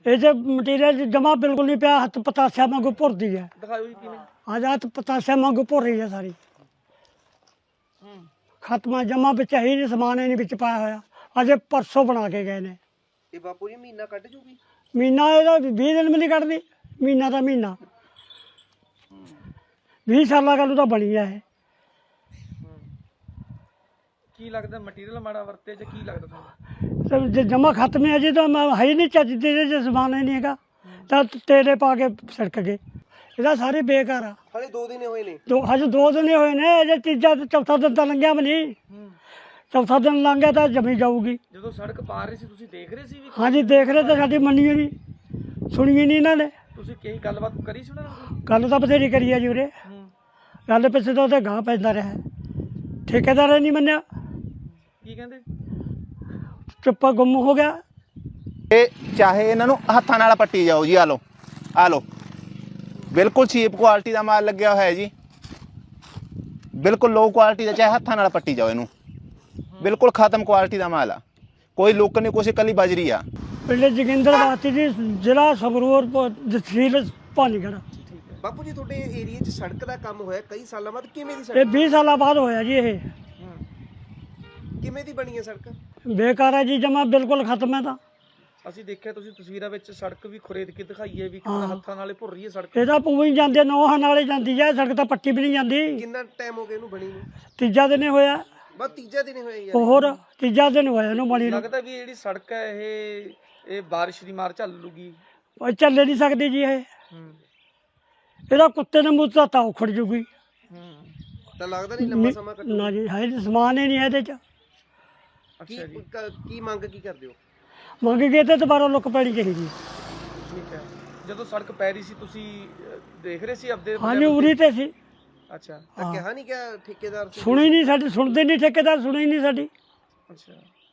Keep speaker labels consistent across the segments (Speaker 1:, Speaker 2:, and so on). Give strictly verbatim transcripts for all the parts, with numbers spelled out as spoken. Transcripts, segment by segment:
Speaker 1: ਇਹ ਜੇ ਮਟੀਰੀਅਲ ਜਮਾ ਬਿਲਕੁਲ ਨਹੀਂ ਪਿਆ, ਹੱਥ ਪਤਾਸਿਆ ਵਾਂਗੂ ਭੁਰਦੀ ਹੈ।
Speaker 2: ਦਿਖਾਓ ਜੀ ਕਿਵੇਂ।
Speaker 1: ਅੱਜ ਹੱਥ ਪਤਾਸਿਆ ਵਾਂਗੂ ਭੁਰ ਰਹੀ ਹੈ ਸਾਰੀ। ਖਤਮਾ ਜਮਾ ਵਿੱਚ ਹੀ ਨਹੀਂ, ਸਮਾਨ ਹੀ ਨਹੀਂ ਵਿੱਚ ਪਾਇਆ ਹੋਇਆ। ਅਜੇ ਪਰਸੋਂ ਬਣਾ ਕੇ ਗਏ ਨੇ।
Speaker 2: ਇਹ ਬਾਪੂ ਜੀ ਮਹੀਨਾ ਕੱਢ ਜੂਗੀ?
Speaker 1: ਮਹੀਨਾ ਇਹਦਾ ਵੀਹ ਦਿਨ ਵੀ ਨਹੀਂ ਕੱਢਦੀ। ਮਹੀਨਾ ਦਾ ਮਹੀਨਾ ਵੀਹ ਸਾਲਾਂ ਗੱਲ ਤਾਂ ਬਣੀ ਹੈ ਇਹ।
Speaker 2: ਕੀ ਲੱਗਦਾ ਮਟੀਰੀਅਲ ਮਾੜਾ ਵਰਤੇ ਜਾਂ ਕੀ ਲੱਗਦਾ ਤੁਹਾਨੂੰ?
Speaker 1: ਤੇ ਜੇ ਜਮਾ ਖਤਮ ਹੈ ਜੀ, ਤਾਂ ਮੈਂ ਹੈ ਹੀ ਨਹੀਂ ਚੱਜ ਦੇ, ਜੇ ਸਮਾਨ ਹੀ ਨਹੀਂ ਹੈਗਾ ਤਾਂ ਤੇਲੇ ਪਾ ਕੇ ਸੜਕ ਗਏ। ਇਹਦਾ ਸਾਰੇ ਬੇਕਾਰ ਆ।
Speaker 2: ਹਾਲੇ ਦੋ ਦਿਨ ਹੋਏ ਨੇ।
Speaker 1: ਦੋ ਹਜੇ ਦੋ ਦਿਨ ਹੀ ਹੋਏ ਨੇ, ਅਜੇ ਤੀਜਾ ਤੇ ਚੌਥਾ ਦਿਨ ਤਾਂ ਲੰਘਿਆ ਵੀ ਨਹੀਂ। ਚੌਥਾ ਦਿਨ ਲੰਘ ਗਿਆ ਤਾਂ ਜਮੀ ਜਾਊਗੀ।
Speaker 2: ਜਦੋਂ ਸੜਕ ਪਾਰ ਰਹੀ ਸੀ ਤੁਸੀਂ ਦੇਖ ਰਹੇ ਸੀ ਵੀ?
Speaker 1: ਹਾਂਜੀ ਦੇਖ ਰਹੇ, ਤਾਂ ਸਾਡੀ ਮੰਨੀ ਨਹੀਂ, ਸੁਣੀ ਨਹੀਂ ਇਹਨਾਂ ਨੇ।
Speaker 2: ਤੁਸੀਂ ਕਈ ਗੱਲਬਾਤ ਕਰੀ ਸੀ ਉਹਨਾਂ ਨਾਲ?
Speaker 1: ਗੱਲ ਤਾਂ ਬਥੇਰੀ ਕਰੀ ਆ ਜੀ ਉਰੇ। ਗੱਲ ਪਿੱਛੇ ਤਾਂ ਉਹਦੇ ਗਾਂਹ ਪੈਂਦਾ ਰਿਹਾ। ਠੇਕੇਦਾਰ ਨੇ ਨਹੀਂ ਮੰਨਿਆ।
Speaker 2: ਕੀ ਕਹਿੰਦੇ?
Speaker 1: ਚੁੱਪਾ ਗੁੰਮ ਹੋ ਗਿਆ।
Speaker 3: ਇਹ ਚਾਹੇ ਇਹਨਾਂ ਨੂੰ ਹੱਥਾਂ ਨਾਲ ਪੱਟੀ ਜਾਓ ਜੀ। ਆ ਲਓ ਆ ਲਓ, ਬਿਲਕੁਲ ਚੀਪ ਕੁਆਲਿਟੀ ਦਾ ਮਾਲ ਲੱਗਿਆ ਹੋਇਆ ਜੀ, ਬਿਲਕੁਲ ਲੋ ਕੁਆਲਿਟੀ ਦਾ। ਚਾਹੇ ਹੱਥਾਂ ਨਾਲ ਪੱਟੀ ਜਾਓ ਇਹਨੂੰ, ਬਿਲਕੁਲ ਖਤਮ ਕੁਆਲਿਟੀ ਦਾ ਮਾਲ ਆ। ਕੋਈ ਲੁੱਕ ਨਹੀਂ, ਕੁਛ ਇਕੱਲੀ ਬਜਰੀ ਆ।
Speaker 1: ਪਿੰਡ ਜੋਗਿੰਦਰ ਵਾਸੀ ਜੀ, ਜ਼ਿਲ੍ਹਾ ਸੰਗਰੂਰ, ਤਹਿਸੀਲ ਭਾਨੀਗੜ੍ਹ।
Speaker 2: ਬਾਪੂ ਜੀ ਤੁਹਾਡੇ ਏਰੀਆ 'ਚ ਸੜਕ ਦਾ ਕੰਮ ਹੋਇਆ ਕਈ ਸਾਲਾਂ ਬਾਅਦ, ਕਿਵੇਂ ਦੀ
Speaker 1: ਇਹ
Speaker 2: ਸੜਕ?
Speaker 1: ਵੀਹ ਸਾਲਾਂ ਬਾਅਦ ਹੋਇਆ ਜੀ। ਇਹ
Speaker 2: ਕਿਵੇਂ ਦੀ ਬਣੀ ਹੈ ਸੜਕ?
Speaker 1: ਬੇਕਾਰ ਹੈ ਜੀ, ਜਮਾ ਬਿਲਕੁਲ ਖਤਮ ਹੈ। ਤਾਂ
Speaker 2: ਅਸੀਂ ਦੇਖਿਆ ਤੁਸੀਂ ਤਸਵੀਰਾਂ ਵਿੱਚ ਸੜਕ ਵੀ ਖੁਰੇਦ ਕੇ ਦਿਖਾਈ ਹੈ ਵੀ ਕਿੰਨਾ ਹੱਥਾਂ ਨਾਲੇ ਭੁਰ ਰਹੀ ਹੈ ਸੜਕ।
Speaker 1: ਇਹਦਾ ਪੂਰੀ ਜਾਂਦੇ ਨੋਹਾਂ ਨਾਲੇ ਜਾਂਦੀ ਹੈ ਸੜਕ, ਤਾਂ ਪੱਟੀ ਵੀ ਨਹੀਂ ਜਾਂਦੀ।
Speaker 2: ਕਿੰਨਾ ਟਾਈਮ ਹੋ ਗਿਆ ਇਹਨੂੰ ਬਣੀ ਨੂੰ?
Speaker 1: ਤੀਜਾ ਦਿਨ ਹੀ ਹੋਇਆ।
Speaker 2: ਬਸ ਤੀਜਾ ਦਿਨ ਹੋਇਆ ਯਾਰ।
Speaker 1: ਹੋਰ ਤੀਜਾ ਦਿਨ ਹੋਇਆ ਇਹਨੂੰ ਬਣੀ ਨੂੰ।
Speaker 2: ਲੱਗਦਾ ਵੀ ਇਹ ਜਿਹੜੀ ਸੜਕ ਹੈ ਇਹ ਇਹ ਬਾਰਿਸ਼ ਦੀ ਮਾਰ ਝੱਲ ਲੂਗੀ।
Speaker 1: ਉਹ ਚੱਲੇ ਨਹੀਂ ਸਕਦੀ ਜੀ ਇਹ। ਇਹਦਾ ਕੁੱਤੇ ਨੇ ਮੂੰਹ ਤਾਂ ਉਖੜ ਜੂਗੀ।
Speaker 2: ਤਾਂ ਲੱਗਦਾ ਨਹੀਂ ਲੰਮਾ ਸਮਾਂ ਕੱਢੂ।
Speaker 1: ਨਾ ਜੀ, ਹੈ ਜੀ, ਸਮਾਨ ਹੀ ਨਹੀਂ ਇਹਦੇ ਚ।
Speaker 2: ਕੀ ਕੀ ਮੰਗ ਕੀ ਕਰਦੇ ਹੋ?
Speaker 1: ਮੰਗ ਗਏ ਤੇ ਦੁਬਾਰਾ ਲੁੱਕ ਪੈਣੀ ਚਾਹੀਦੀ।
Speaker 2: ਠੀਕ ਹੈ। ਜਦੋਂ ਸੜਕ ਪੈ ਰਹੀ ਸੀ ਤੁਸੀਂ ਦੇਖ ਰਹੇ ਸੀ ਆਪਦੇ?
Speaker 1: ਹਾਂਜੀ ਉਰੀ ਤੇ ਸੀ।
Speaker 2: ਅੱਛਾ, ਤਾਂ ਕਿਹਾ ਨਹੀਂ ਕਿ ਠੇਕੇਦਾਰ
Speaker 1: ਸੁਣੀ ਨਹੀਂ ਸਾਡੀ, ਸੁਣਦੇ ਨਹੀਂ ਠੇਕੇਦਾਰ, ਸੁਣੀ ਨਹੀਂ ਸਾਡੀ।
Speaker 2: ਅੱਛਾ।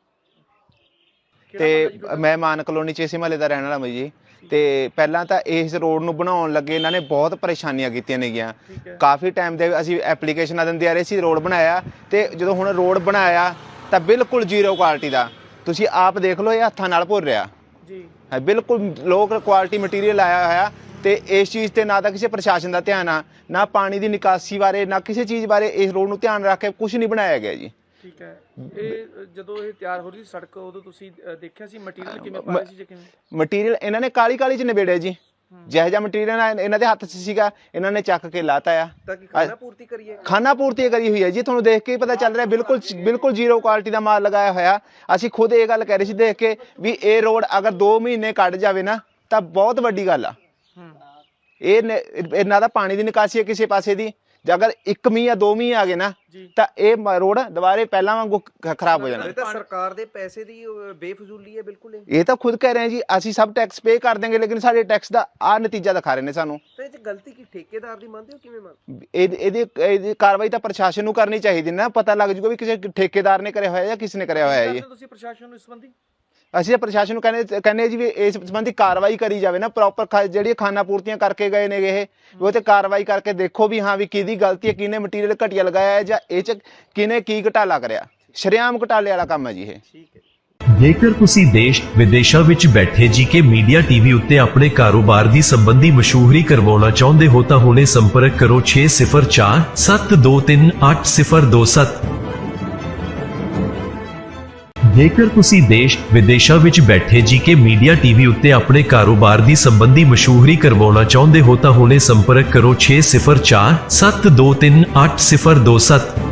Speaker 3: ਤੇ ਮੈਂ ਮਾਨ ਕਲੋਨੀ 'ਚ ਇਸੇ ਮਹੱਲੇ ਦਾ ਰਹਿਣ ਵਾਲਾ ਮੈਂ ਜੀ। ਤੇ ਪਹਿਲਾਂ ਤਾਂ ਇਸ ਰੋਡ ਨੂੰ ਬਣਾਉਣ ਲੱਗੇ ਇਹਨਾਂ ਨੇ ਬਹੁਤ ਪਰੇਸ਼ਾਨੀਆਂ ਕੀਤੀਆਂ ਨੇਗੀਆਂ। ਕਾਫੀ ਟਾਈਮ ਦੇ ਅਸੀਂ ਐਪਲੀਕੇਸ਼ਨਾਂ ਦਿੰਦੇ ਆ ਰਹੇ ਸੀ, ਰੋਡ ਬਣਾਇਆ। ਤੇ ਜਦੋਂ ਹੁਣ ਰੋਡ ਬਣਾਇਆ ਤਾਂ ਬਿਲਕੁਲ ਜ਼ੀਰੋ ਕੁਆਲਿਟੀ ਦਾ। ਤੁਸੀਂ ਆਪ ਦੇਖ ਲਓ, ਇਹ ਹੱਥਾਂ ਨਾਲ ਭੁਰ ਰਿਹਾ ਜੀ, ਹੈ ਬਿਲਕੁਲ ਲੋ ਕੁਆਲਿਟੀ ਮਟੀਰੀਅਲ ਆਇਆ ਹੋਇਆ। ਤੇ ਇਸ ਚੀਜ਼ ਤੇ ਨਾ ਤਾਂ ਕਿਸੇ ਪ੍ਰਸ਼ਾਸਨ ਦਾ ਧਿਆਨ ਆ, ਨਾ ਪਾਣੀ ਦੀ ਨਿਕਾਸੀ ਬਾਰੇ, ਨਾ ਕਿਸੇ ਚੀਜ਼ ਬਾਰੇ ਇਸ ਰੋਡ ਨੂੰ ਧਿਆਨ ਰੱਖ ਕੇ ਕੁਝ ਨਹੀਂ ਬਣਾਇਆ ਗਿਆ ਜੀ। ਠੀਕ ਹੈ।
Speaker 2: ਇਹ ਜਦੋਂ ਇਹ ਤਿਆਰ ਹੋ ਰਹੀ ਸੀ ਸੜਕ, ਉਦੋਂ ਤੁਸੀਂ ਦੇਖਿਆ ਸੀ ਮਟੀਰੀਅਲ ਕਿਵੇਂ ਪਾਇਆ ਸੀ ਜਾਂ ਕਿਵੇਂ?
Speaker 3: ਮਟੀਰੀਅਲ ਇਹਨਾਂ ਨੇ ਕਾਲੀ ਕਾਲੀ ਚ ਨਿਬੇੜਿਆ ਜੀ। ਜਿਹੋ ਜਿਹਾ ਮਟੀਰੀਅਲ ਇਹਨਾਂ ਦੇ ਹੱਥ 'ਚ ਸੀਗਾ, ਇਹਨਾਂ ਨੇ ਚੱਕ ਕੇ ਲਾਤਾ ਆ।
Speaker 2: ਤਾਂ ਕਿ ਖਾਣਾ ਪੂਰਤੀ ਕਰੀਏ? ਖਾਣਾ
Speaker 3: ਪੂਰਤੀ ਕਰੀ ਹੋਈ ਹੈ ਜੀ। ਤੁਹਾਨੂੰ ਦੇਖ ਕੇ ਹੀ ਪਤਾ ਚੱਲ ਰਿਹਾ, ਬਿਲਕੁਲ ਬਿਲਕੁਲ ਜ਼ੀਰੋ ਕੁਆਲਿਟੀ ਦਾ ਮਾਲ ਲਗਾਇਆ ਹੋਇਆ। ਅਸੀਂ ਖੁਦ ਇਹ ਗੱਲ ਕਹਿ ਰਹੇ ਸੀ ਦੇਖ ਕੇ ਵੀ ਇਹ ਰੋਡ ਅਗਰ ਦੋ ਮਹੀਨੇ ਕੱਢ ਜਾਵੇ ਨਾ ਤਾਂ ਬਹੁਤ ਵੱਡੀ ਗੱਲ ਆ। ਇਹ ਇਹਨਾਂ ਦਾ ਪਾਣੀ ਦੀ ਨਿਕਾਸੀ ਹੈ ਕਿਸੇ ਪਾਸੇ ਦੀ। ਜੇ ਅਗਰ ਇੱਕ ਮੀਂਹ ਜਾਂ ਦੋ ਮੀਂਹ ਆ ਗਏ ਨਾ ਤਾਂ ਇਹ ਰੋਡ ਦੁਬਾਰੇ ਪਹਿਲਾਂ ਵਾਂਗੂ ਖਰਾਬ ਹੋ ਜਾਣਾ।
Speaker 2: ਇਹ ਤਾਂ ਸਰਕਾਰ ਦੇ ਪੈਸੇ ਦੀ ਬੇਫਜ਼ੂਲੀ ਹੈ ਬਿਲਕੁਲ।
Speaker 3: ਇਹ ਤਾਂ ਖੁਦ ਕਹਿ ਰਹੇ ਜੀ, ਅਸੀਂ ਸਭ ਟੈਕਸ ਪੇ ਕਰ ਦੇਂਗੇ, ਲੇਕਿਨ ਸਾਡੇ ਟੈਕਸ ਦਾ ਆ ਨਤੀਜਾ ਦਿਖਾ ਰਹੇ ਨੇ ਸਾਨੂੰ।
Speaker 2: ਤੇ ਇਹ 'ਚ ਗਲਤੀ ਕੀ ਠੇਕੇਦਾਰ ਦੀ ਮੰਨਦੇ ਹੋ? ਕਿਵੇਂ ਮੰਨਦੇ?
Speaker 3: ਇਹਦੀ ਇਹਦੀ ਕਾਰਵਾਈ ਤਾਂ ਪ੍ਰਸ਼ਾਸਨ ਨੂੰ ਕਰਨੀ ਚਾਹੀਦੀ ਨਾ। ਪਤਾ ਲੱਗ ਜੂਗਾ ਵੀ ਕਿਸੇ ਠੇਕੇਦਾਰ ਨੇ ਕਰਿਆ ਹੋਇਆ ਜਾਂ ਕਿਸ ਨੇ ਕਰਿਆ ਹੋਇਆ ਜੀ।
Speaker 2: ਤੁਸੀਂ ਪ੍ਰਸ਼ਾਸਨ ਨੂੰ ਇਸ ਸੰਬੰਧੀ?
Speaker 3: ਅਸੀਂ ਪ੍ਰਸ਼ਾਸਨ ਨੂੰ ਕਹਿੰਦੇ ਕਹਿੰਦੇ ਜੀ ਵੀ ਇਸ ਸੰਬੰਧੀ ਕਾਰਵਾਈ ਕਰੀ ਜਾਵੇ ਨਾ, ਪ੍ਰੋਪਰ ਜਿਹੜੀ ਖਾਨਾ ਪੂਰਤੀਆਂ ਕਰਕੇ ਗਏ ਨੇ ਇਹ, ਉਹ ਤੇ ਕਾਰਵਾਈ ਕਰਕੇ ਦੇਖੋ ਵੀ ਹਾਂ ਵੀ ਕਿਹਦੀ ਗਲਤੀ ਹੈ, ਕਿਹਨੇ ਮਟੀਰੀਅਲ ਘਟੀਆ ਲਗਾਇਆ ਹੈ ਜਾਂ ਇਹ 'ਚ ਕਿਹਨੇ ਕੀ ਘਟਾਲਾ ਕਰਿਆ। ਸ਼ਰੇਆਮ ਘਟਾਲੇ ਵਾਲਾ ਕੰਮ ਹੈ ਜੀ ਇਹ। ਠੀਕ ਹੈ।
Speaker 4: ਜੇਕਰ ਤੁਸੀਂ ਦੇਸ਼ ਵਿਦੇਸ਼ਾਂ ਵਿੱਚ ਬੈਠੇ ਜੀਕੇ ਮੀਡੀਆ ਟੀਵੀ ਉੱਤੇ ਆਪਣੇ ਕਾਰੋਬਾਰ ਦੀ ਸੰਬੰਧੀ ਮਸ਼ਹੂਰੀ ਕਰਵਾਉਣਾ ਚਾਹੁੰਦੇ ਹੋ ਤਾਂ ਹੁਣੇ ਸੰਪਰਕ ਕਰੋ ਛੇ ਸਿਫਰ ਚਾਰ ਸੱਤ ਦੋ ਤਿੰਨ ਅੱਠ ਸਿਫਰ ਦੋ ਸੱਤ। ਜੇਕਰ ਤੁਸੀਂ ਦੇਸ਼ ਵਿਦੇਸ਼ਾਂ ਵਿੱਚ ਬੈਠੇ ਜੀਕੇ ਮੀਡੀਆ ਟੀਵੀ ਉੱਤੇ ਆਪਣੇ ਕਾਰੋਬਾਰ ਦੀ ਸੰਬੰਧੀ ਮਸ਼ਹੂਰੀ ਕਰਵਾਉਣਾ ਚਾਹੁੰਦੇ ਹੋ ਤਾਂ ਹੁਣੇ ਸੰਪਰਕ ਕਰੋ ਛੇ ਸਿਫਰ ਚਾਰ ਸੱਤ ਦੋ ਤਿੰਨ ਅੱਠ ਸਿਫਰ ਦੋ ਸੱਤ।